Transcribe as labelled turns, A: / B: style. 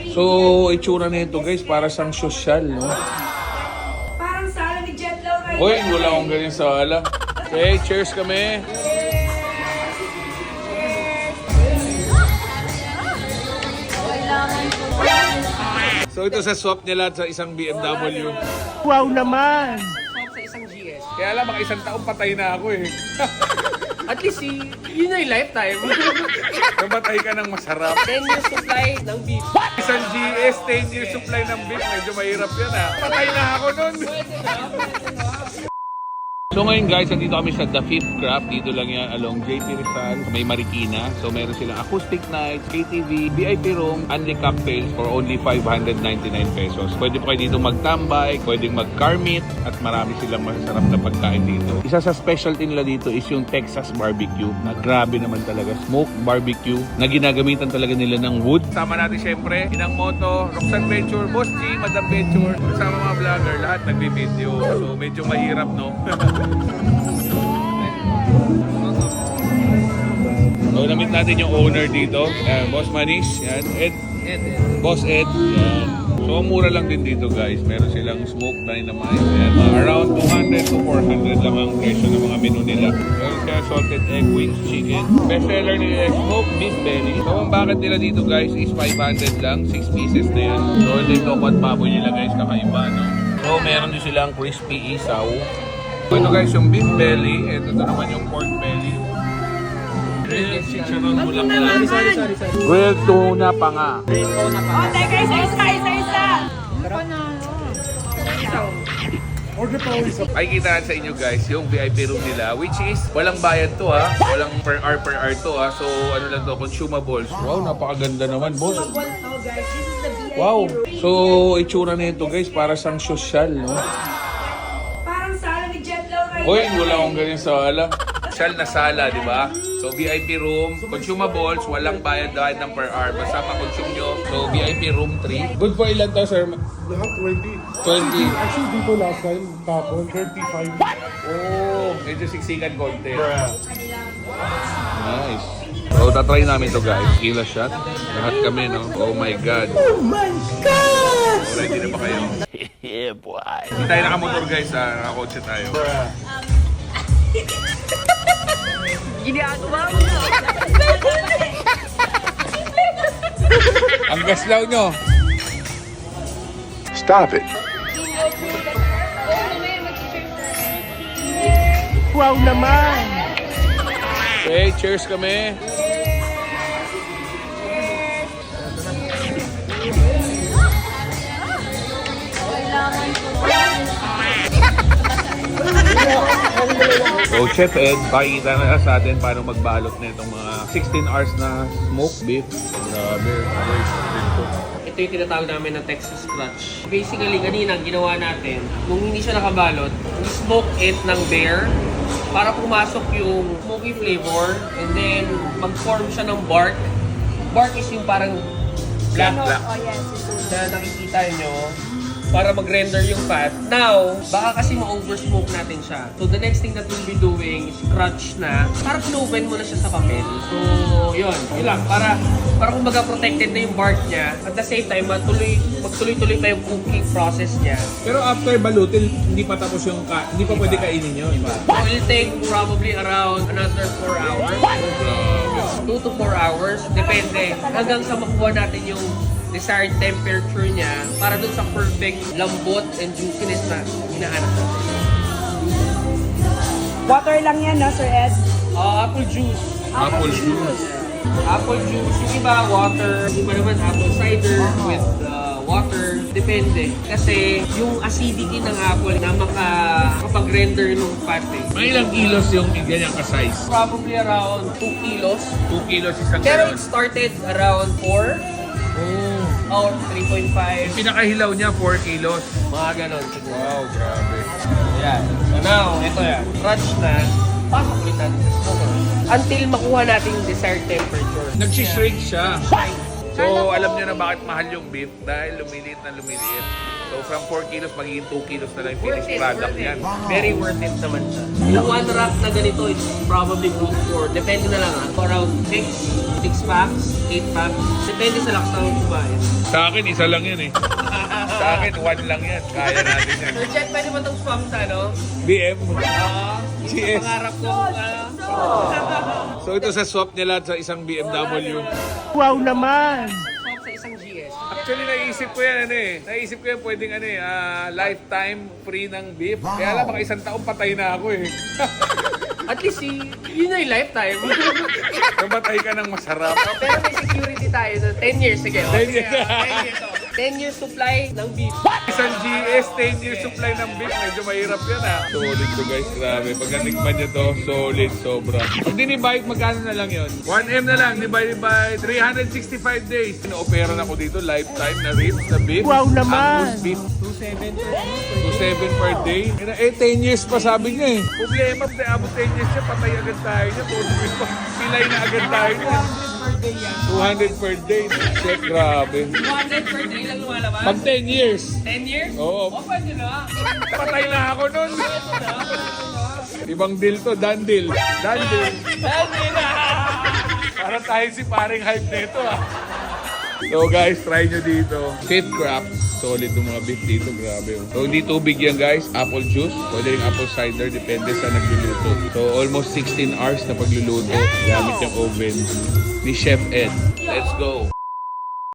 A: So, itsura nito guys, para sang sosyal, no?
B: Parang sala ni Jet Law right
A: Uy, wala akong ganyan sala. Okay, cheers kami. So, ito sa swap niya lahat sa isang BMW.
C: Wow naman!
D: Sa isang GS.
A: Kaya alam, maka isang taong patay na ako eh.
D: At least, yun na yung lifetime.
A: Namatay ka ng masarap.
D: 10 years supply ng beef.
A: Isang GS, 10 years supply ng beef. Medyo mahirap yan ha. Patay na ako nun. So ngayon guys, nandito kami sa The Fifth Craft. Dito lang yan along JP Rizal, may Marikina. So meron silang acoustic nights, KTV, VIP room, only cocktails for only 599 pesos. Pwede po kayo dito magtambay, pwedeng mag-car meet, at marami silang masarap na pagkain dito. Isa sa specialty nila dito is yung Texas Barbecue, na grabe naman talaga. Smoked barbecue, na ginagamitan talaga nila ng wood. Sama natin syempre, Inang Moto, Roxanne Venture, Boss G, Madam Venture, kasama mga vlogger, lahat nagbi-video. So medyo mahirap, no? So, namit natin yung owner dito. Boss Manish. Yan. Ed. Boss Ed. Yan. So, mura lang din dito guys. Meron silang smoked dynamite. Yan. Around 200 to 400 lang ang presyo ng mga menu nila. Meron siya salted egg wings, chicken. Best seller nila is smoked beef belly. So, ang bucket nila dito guys is 500 lang. 6 pieces na yan. So, ito yung at baboy nila guys. Kakaiba, no? So, meron din silang crispy isaw. Ito guys yung beef belly, ito naman yung pork belly. Grilled chicharon bulaklak. Grilled tuna pa nga.
B: Oh, teka, isa.
A: Makikita sa inyo guys yung VIP room nila, which is walang bayad to ha. Walang per hour to ha. So ano lang to, consumables. Wow, napakaganda naman boss.
B: Oh guys, this is the VIP
A: Wow.
B: room.
A: So itsura nito guys, para sang sosyal, no?
B: Parang sala ni Jet Law right
A: Uy, wala akong ganyan sala. Sosyal na sala, di ba? So, VIP room, consumables, walang bayad dahil ng per hour. Basta ma-consume nyo. So, VIP room 3. Good for ilan to, sir?
C: Lahat 20.
A: 20.
C: Actually, dito last time, tapon, 35.
A: Oh, medyo siksikan konti. Nice. So, tatry namin to guys. Kila shot. Lahat kami, no? Oh my God.
C: Oh my God!
A: Ready na ba kayo?
C: Yeah, boy.
A: Hindi tayo nakamotor guys, ha? Nakakotse tayo.
D: Ginagawa mo na.
A: Ang gaslaw nyo.
E: Stop it.
C: Wow naman!
A: Okay, cheers kami. So, Chef Ed, pakikita na sa atin paano magbalot na itong mga 16 hours na smoked beef. Grabe.
D: Ito yung tinatawag namin na Texas Clutch. Basically, kanina ang ginawa natin, kung hindi siya nakabalot, smoke it ng bear para pumasok yung smoky flavor and then mag-form siya ng bark. Bark is yung parang black na nakikita nyo para mag-render yung fat. Now, baka kasi ma-oversmoke natin siya. So, the next thing that we'll be doing is crunch na. Para pinoven mo na siya sa papel. So, yun lang. Para kumbaga protected na yung bark niya. At the same time, magtuloy-tuloy pa yung cooking process niya.
A: Pero after balutin, hindi pa tapos yung hindi pa pwede kainin nyo, iba?
D: It will take probably around another 4 hours. 2 to 4 hours. Depende. Hanggang sa makuha natin yung desired temperature niya para dun sa perfect lambot and juiciness na hinahanap natin.
B: Water lang yan, no, Sir Ed?
D: Apple juice.
A: Apple juice.
D: Apple juice. Yung iba, water. Yung iba naman, apple cider with water. Depende. Kasi yung acidity ng apple na makapag-render ng fat eh.
A: Mga ilang kilos yung ganyan ka-size?
D: Probably around 2 kilos.
A: 2 kilos isang
D: Pero
A: galon.
D: it started around 4 or 3.5.
A: Pinakahilaw niya 4 kilos.
D: Mga ganon siguro.
A: Wow, grabe.
D: Yan. So now, ito yan. Crunch na. Pasok ulit natin sa smoker. Until makuha natin yung desired temperature.
A: Nagsishrink siya. So, alam nyo na bakit mahal yung beef dahil lumiliit na lumiliit. So, from 4 kilos, magiging 2 kilos na lang yung finished product yan.
D: Very worth it naman siya. Yung one rack na ganito is probably good for, depende na lang around 6 packs, 8 packs. Depende sa lakas ng kumain.
A: Sa akin, isa lang yan eh. Sa akin, 1 lang yan. Kaya natin yan.
D: So, Jet, pwede mo itong swap sa ano?
A: BM.
D: Yung pangarap ko.
A: So, ito sa swap niya lahat sa isang BMW.
C: Wow naman!
D: Swap sa isang GS.
A: Actually, naisip ko yan, Naisip ko yan, pwedeng, lifetime free ng beef. Kaya lang, baka isang taong patay na ako, eh.
D: At least, yun na yung lifetime.
A: Namatay ka ng masarap.
D: Pero may security tayo. 10 years, sige.
A: 10 years.
D: 10 years supply ng beef.
A: Isang GS, 10 years supply ng beef. Medyo mahirap yan, ha. Solid to, guys. Grabe. Pag natikman niya to, solid, sobra. Pag dinibike, magkano na lang yun? 1M na lang, divided by 365 days. Ino-opera na ko dito, lifetime na ribs, na beef.
C: Wow naman!
A: Angus beef. 2.7 per day. 10 years pa sabi niya, eh. Problema, abot 10 years siya, patay agad tayo niya. Pilay na agad tayo niya. 200 per day. Check, grabe.
D: 200 per day lang lumalabas.
A: Pag 10 years.
D: 10 years?
A: Oo.
D: O, pwede na.
A: Patay na ako nun. Ibang deal to, done deal. Done deal.
D: Pwede na.
A: Para tayo si paring hype nito, ah. So guys, try nyo dito. Cape Crafts. Solid yung mga beef dito, grabe. So hindi tubig yan guys, apple juice. Pwede rin apple cider, depende sa nagluluto. So almost 16 hours na pagluluto gamit yung oven ni Chef Ed. Let's go!